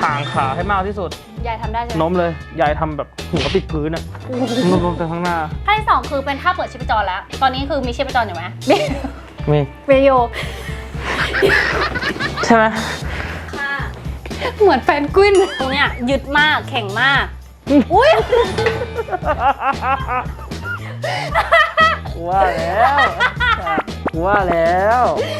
ห่างขาให้มากที่สุดยายทำได้ใช่ไหมโน้มเลยยายทำแบบหัวปิดพื้นอะโน้มไปข้างหน้าท่าที่2คือเป็นท่าเปิดชีพจรแล้วตอนนี้คือมีชีพจรอยู่ไหมมีเวโยใช่ไหมค่ะเหมือนแฟนกวินตรงเนี้ยยึดมากแข็งมากอุ้ยว่าแล้ว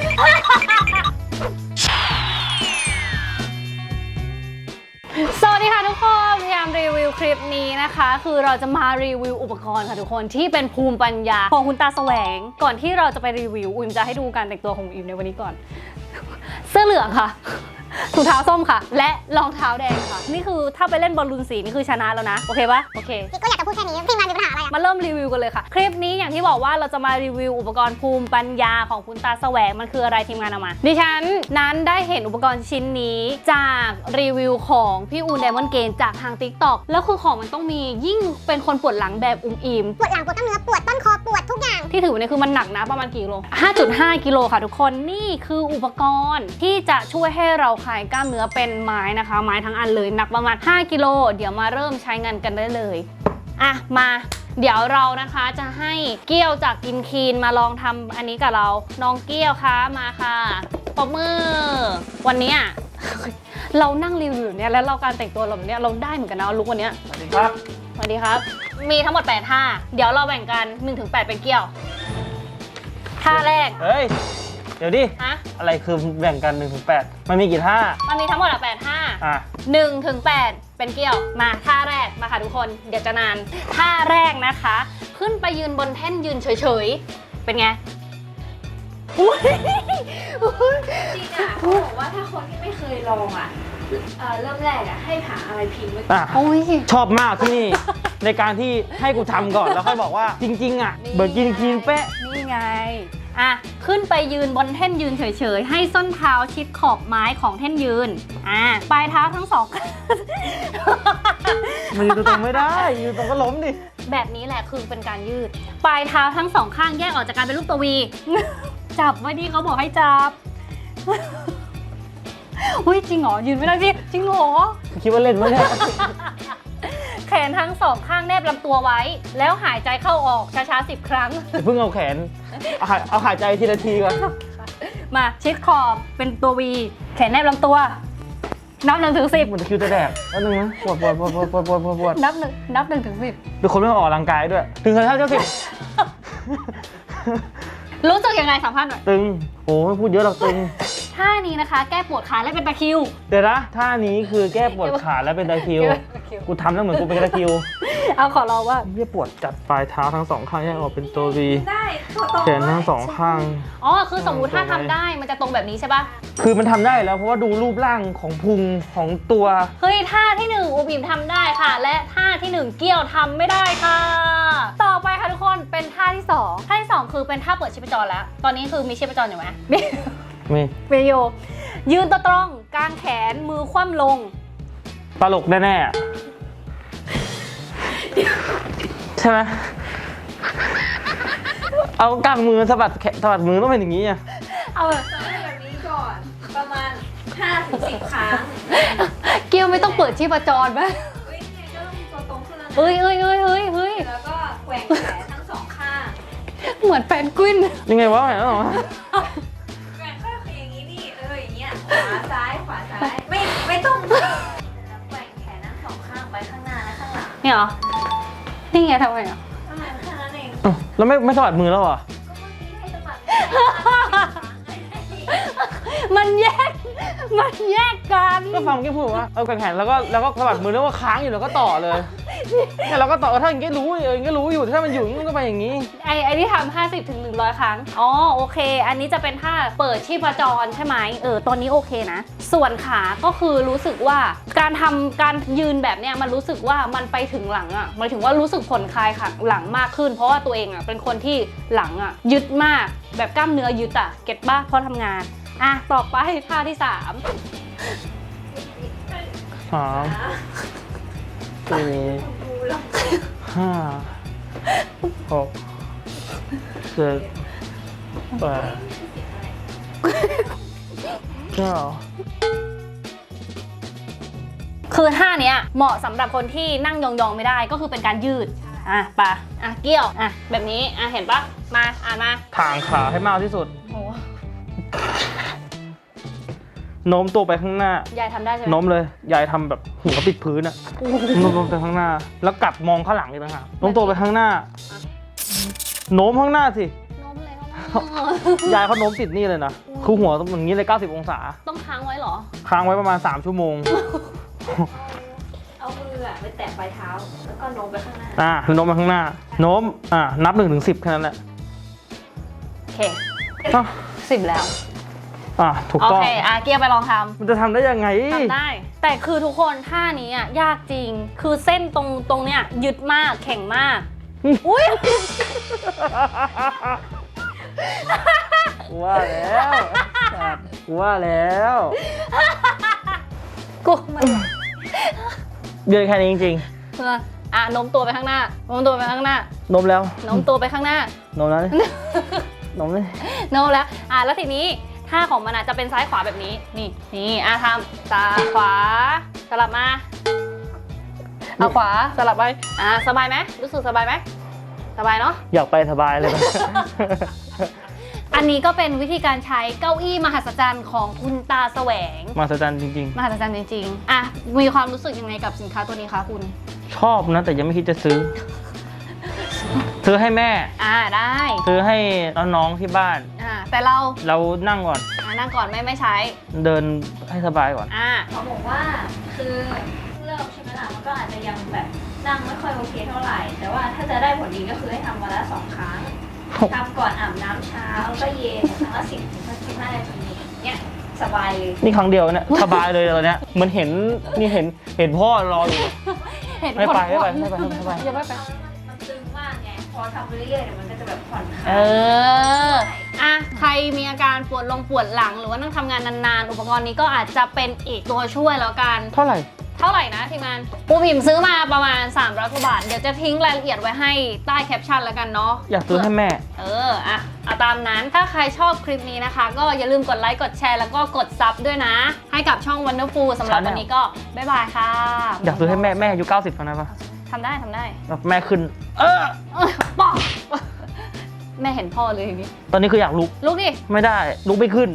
สวัสดีค่ะทุกคนพยายามรีวิวคลิปนี้นะคะคือเราจะมารีวิวอุปกรณ์ค่ะทุกคนที่เป็นภูมิปัญญาของคุณตาแสวงก่อนที่เราจะไปรีวิวอุ๋มจะให้ดูการแต่งตัวของอุ๋มในวันนี้ก่อนเสื้อเหลืองค่ะถุงเท้าส้มค่ะและรองเท้าแดงค่ะนี่คือถ้าไปเล่นบอลลูนสีนี่คือชนะแล้วนะโอเคปะโอเคก็อยากจะพูดแค่นี้พี่มามีปัญหาอะไรมาเริ่มรีวิวกันเลยค่ะคลิปนี้อย่างที่บอกว่าเราจะมารีวิวอุปกรณ์ภูมิปัญญาของคุณตาแสวงมันคืออะไรทีมงานเอามาดิฉันนั้นได้เห็นอุปกรณ์ชิ้นนี้จากรีวิวของพี่อูนไดมอนด์เกนจากทาง TikTok แล้วคือของมันต้องมียิ่งเป็นคนปวดหลังแบบอุ้มอิมปวดหลังปวดกล้ามเนื้อปวดต้นคอปวดทุกอย่างที่ถือเนี่ยคือมันหนักนะประมาณกี่กิโล 5.5 กิโลค่ะทุกคนนี่คืออุปกรณ์ที่จะช่วยให้เราคลายกล้ามเนื้อเป็นไม้นะคะไม้ทั้งอันเลยหนักประมาณ5กิโลเดี๋ยวมาเริ่มใช้งานกันได้เลยอ่ะมาเดี๋ยวเรานะคะจะให้เกี้ยวจากกินคีนมาลองทำอันนี้กับเราน้องเกี้ยวคะมาค่ะปรบมือวันนี้เรานั่งรีวิวเนี่ยแล้วเราการแต่งตัวเราเนี่ยเราได้เหมือนกันนะลุควันนี้สวัสดีครับสวัสดีครับมีทั้งหมด8ท่าเดี๋ยวเราแบ่งกัน 1-8 เป็นเกี้ยวท่าแรกเฮ้ยเดี๋ยวดิอะไรคือแบ่งกัน 1-8 มันมีกี่ท่ามันมีทั้งหมด8ท่า1-8 เป็นเกี้ยวมาท่าแรกมาค่ะทุกคนเดี๋ยวจะนานท่าแรกนะคะขึ้นไปยืนบนแท่นยืนเฉยๆเป็นไงจริงอ่ะเขาบอกว่าถ้าคนที่ไม่เคยลองอ่ะเริ่มแรกอ่ะให้หาอะไรพิมพ์ไว้ก่อนชอบมากที่นี่ ในการที่ให้กูทำก่อนแล้วค่อยบอกว่าจริงๆอ่ะเบิร์กินคีนเป๊ะนี่ไงอ่ะขึ้นไปยืนบนแท่นยืนเฉยๆให้ส้นเท้าชิดขอบไม้ของแท่นยืนปลายเท้าทั้งสองมันยืนตรงไม่ได้ยืนตรงก็ล้มดิแบบนี้แหละคือเป็นการยืดปลายเท้าทั้งสองข้างแยกออกจากการเป็นรูปตัววีจับไว้ดิเขาบอกให้จับอุ้ยจริงเหรอยืนไม่ได้พี่จริงเหรอคิดว่าเล่นมั้ยเนี่ยแขนทั้งสองข้างแนบลำตัวไว้แล้วหายใจเข้าออกช้าๆ10 ครั้งเพิ่งเอาแขนเอาหายใจทีละทีก่อนมาชิดขอบเป็นตัววีแขนแนบลำตัวนับ1-10 มันจะคิวจะแดกแล้วนึงนะปวดนับ1-10 เป็นคนไม่ออกกำลังกายด้วยถึงเท่า10 รู้สึกยังไงสัมภาษณ์หน่อยตึงโอ้ไม่พูดเยอะหรอกตึงท่านี้นะคะแก้ปวดขาและเป็นตะคริวเดี๋ยวนะท่านี้คือแก้ปวดขาและเป็นตะคริวกูทำแล้วเหมือนกูเป็นตะคริวเอาขอเราว่าเยี่ยปวดจัดปลายเท้าทั้งสองข้างแยกออกเป็นตัววีแขนทั้งสองข้างอ๋อคือสมมุติถ้าทำได้มันจะตรงแบบนี้ใช่ปะคือมันทำได้แล้วเพราะว่าดูรูปร่างของพุงของตัวเฮ้ยท่าที่1อูบิมทำได้ค่ะและท่าที่1เกี้ยวทำไม่ได้ค่ะต่อไปค่ะทุกคนเป็นท่าที่2ท่าที่2คือเป็นท่าเปิดชีพจรแล้วตอนนี้คือมีชีพจรอยู่ไหมมีวิดีโอยืนตัวตรงกางแขนมือคว่ำลงตลกแน่ๆใช่ไหมเอากางมือสะบัดมือต้องเป็นอย่างนี้อ่ะเอาแบบนี้ก่อนประมาณ 5-10 ครั้งเกียวไม่ต้องเปิดชีพจรไหมเฮ้ยเนี่ยก็ต้องตัวตรงขึ้นแล้วนะเฮ้ยแล้วก็แกว่งแขนทั้งสองข้างเหมือนแฟนกวินยังไงวะแหมอ๋อแกว่งข้างอย่างนี้นี่อย่างเงี้ยขวาซ้ายไม่ต้องแกว่งแขนทั้งสองข้างไปข้างหน้าและข้างหลังเนี่ยเหรอนี่ไงทำไมอ่ะแค่นั้นเองแล้วไม่สะบัดมือแล้วเหรอมันแยกกันก็ฟังแกพูดว่าเอาแขนแล้วก็สะบัดมือแล้วว่าค้างอยู่แล้วก็ต่อเลยเนี่ยเราก็ต่อถ้าอย่างนี้รู้อยู่ถ้ามันอยู่มันก็ไปอย่างนี้ไอ้ที่ทำ50-100 ครั้งอ๋อโอเคอันนี้จะเป็นท่าเปิดชีพจรใช่ไหมตอนนี้โอเคนะส่วนขาก็คือรู้สึกว่าการยืนแบบเนี้ยมันรู้สึกว่ามันไปถึงหลังอ่ะหมายถึงว่ารู้สึกผ่อนคลายค่ะหลังมากขึ้นเพราะว่าตัวเองอ่ะเป็นคนที่หลังอ่ะยึดมากแบบกล้ามเนื้อยึดอ่ะเก็ตบ้าเพราะทำงานต่อไปท่าที่3 4 5 6 7 8 9 คือท่าเนี้ยเหมาะสำหรับคนที่นั่งยองๆไม่ได้ก็คือเป็นการยืดปะเกี่ยวแบบนี้เห็นปะมามาทางขาให้มากที่สุดโอ้โน้มตัวไปข้างหน้ายายทำได้ใช่ไหมโน้มเลยยายทำแบบหัวติดพื้นอะโน้มไปข้างหน้า แล้วกลับมองข้างหลังอีกต่างหากโน้มตัวไปข้างหน้าโน้มข้างหน้าสิโน้มเลยยายเขาโน้มติดนี่เลยนะคือหัวต้องอย่างนี้เลย90 องศาต้องค้างไว้เหรอค้างไว้ประมาณ3 ชั่วโมงเอามือไปแตะปลายเท้า แล้วก็โน้มไปข้างหน้าโน้มไปข้างหน้า โน้มนับ1 ถึง 10แค่นั้นแหละโอเคอ้าว 10 แล้วถูกโอต้องเคเกียร์ไปลองทมันจะทำได้ยังไงำทำได้ แต่คือทุกคนท่านี้ยากจริง คือเส้นตรงเนี้ยยึดมากแข็งมาก อุ้ยว่าแล้วว่าแล้วกูมันเดินแค่นี้จริงโน้มตัวไปข้างหน้าโน้มตัวไปข้างหน้าๆโน้มแล้วโน้มตัวไปข้างหน้าโน้มแล้วโน้มเลยโน้มแล้วแล้วทีนี้ท่าของมันจะเป็นซ้ายขวาแบบนี้นี่ทำซ้ายขวาสลับมาเอาขวาสลับไปสบายไหมรู้สึกสบายไหมสบายเนาะอยากไปสบายเลยอันนี้ก็เป็นวิธีการใช้เก้าอี้มหัศจรรย์ของคุณตาแสวงมหัศจรรย์จริงมหัศจรรย์จริงๆมีความรู้สึกยังไงกับสินค้าตัวนี้คะคุณๆ ชอบนะแต่ยังไม่คิดจะซื้อ ซื้อให้แม่ได้ซื้อให้น้องๆที่บ้านแต่เรานั่งก่อนนั่งก่อนไม่ใช้เดินให้สบายก่อนเขาบอกว่าคือเริ่มใช่ไหมล่ะมันก็อาจจะยังแบบนั่งไม่ค่อยโอเคเท่าไหร่ แต่ว่าถ้าจะได้ผลดีก็คือให้ทำวันละ2 ครั้งทำก่อนอาบน้ำเช้าแล้วก็เย็นครั้งละ10-15 นาทีเนี่ยสบายเลยนี่ครั้งเดียวเนี่ย สบายเลยตอนเนี้ยเหมือนเห็นพ่อรออยู่เห็นไม่ไปคนไม่ไปอย่าไม่ไปมันตึงมากไงพอทำไปเรื่อยๆเดี๋ยวมันก็จะแบบผ่อนคลายใครมีอาการปวดหลังหรือว่านั่งทำงานนานๆ อุปกรณ์นี้ก็อาจจะเป็นอีกตัวช่วยแล้วกันเท่าไหร่เท่าไหร่นะทีมงานปูพิมพ์ซื้อมาประมาณ300 กว่าบาท เดี๋ยวจะทิ้งรายละเอียดไว้ให้ใต้แคปชั่นแล้วกันเนาะอยากซื้อให้แม่เอาตามนั้นถ้าใครชอบคลิปนี้นะคะ ก็อย่าลืมกดไลค์กดแชร์แล้วก็กดซับด้วยนะ ให้กับช่อง Wonderful สำหรับวันนี้ก็บ๊ายบายค่ะอยากซื้อให้แม่อายุ90แล้วนะปะทำได้แบบแม่ขึ้นบอก แม่เห็นพ่อเลยอย่างนี้ตอนนี้คืออยากลุกลุกดิไม่ได้ลุกไม่ขึ้น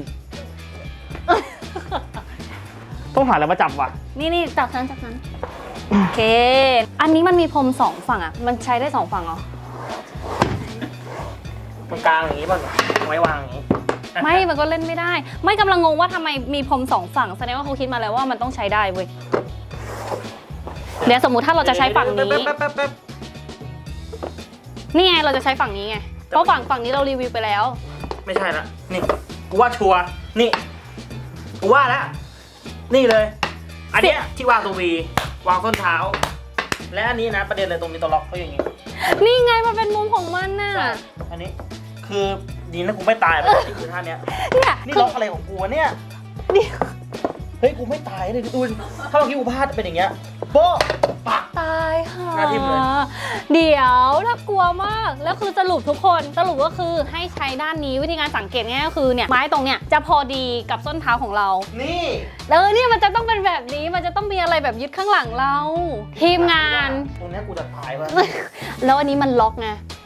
ต้องหาอะไรมาจับว่ะนี่จับฉันโอเค อันนี้มันมีพรม2 ฝั่งมันใช้ได้2 ฝั่งเหรอตรงกลางอย่างนี้ป่ะไว้วางอย่างนี้ไม่มันก็เล่นไม่ได้ ไม่กำลังงงว่าทำไมมีพรม2 ฝั่งแสดงว่าเขาคิดมาแล้วว่ามันต้องใช้ได้เว้ยเดี๋ยวสมมุติถ้าเราจะใช้ฝั่งนี้นี่ไงเราจะใช้ฝั่งนี้ไงเพราะฝั่งนี้เรารีวิวไปแล้วไม่ใช่ละนี่กูว่าชัวร์นี่กูว่าแล้วนี่เลย อันเนี้ยที่วางตัววีวางส้นเท้า และอันนี้นะประเด็นเลยตรงนี้ตัวล็อกเขาอย่างงี้นี่ไงมันเป็นมุมของมันน่ะอันนี้คือดีนะกูไม่ตายไปนี่คือท่าเนี้ยเนี่ยนี่ล็อกอะไรของกูวะเนี่ยนี่เฮ้ยกูไม่ตายเลยดูถ้าเมื่อกี้กูพลาดเป็นอย่างเงี้ยโป๊ะปักตายค่ะหน้าทิ่มเลยเดี๋ยวน่ากลัวมากแล้วคือสรุปทุกคนสรุปก็คือให้ใช้ด้านนี้วิธีการสังเกตง่ายก็คือเนี่ยไม้ตรงเนี้ยจะพอดีกับส้นเท้าของเรานี่เนี่ยมันจะต้องเป็นแบบนี้มันจะต้องมีอะไรแบบยึดข้างหลังเรา ทีมงานตรงเนี้ยกูจะตายวะแล้วอันนี้มันล็อกไง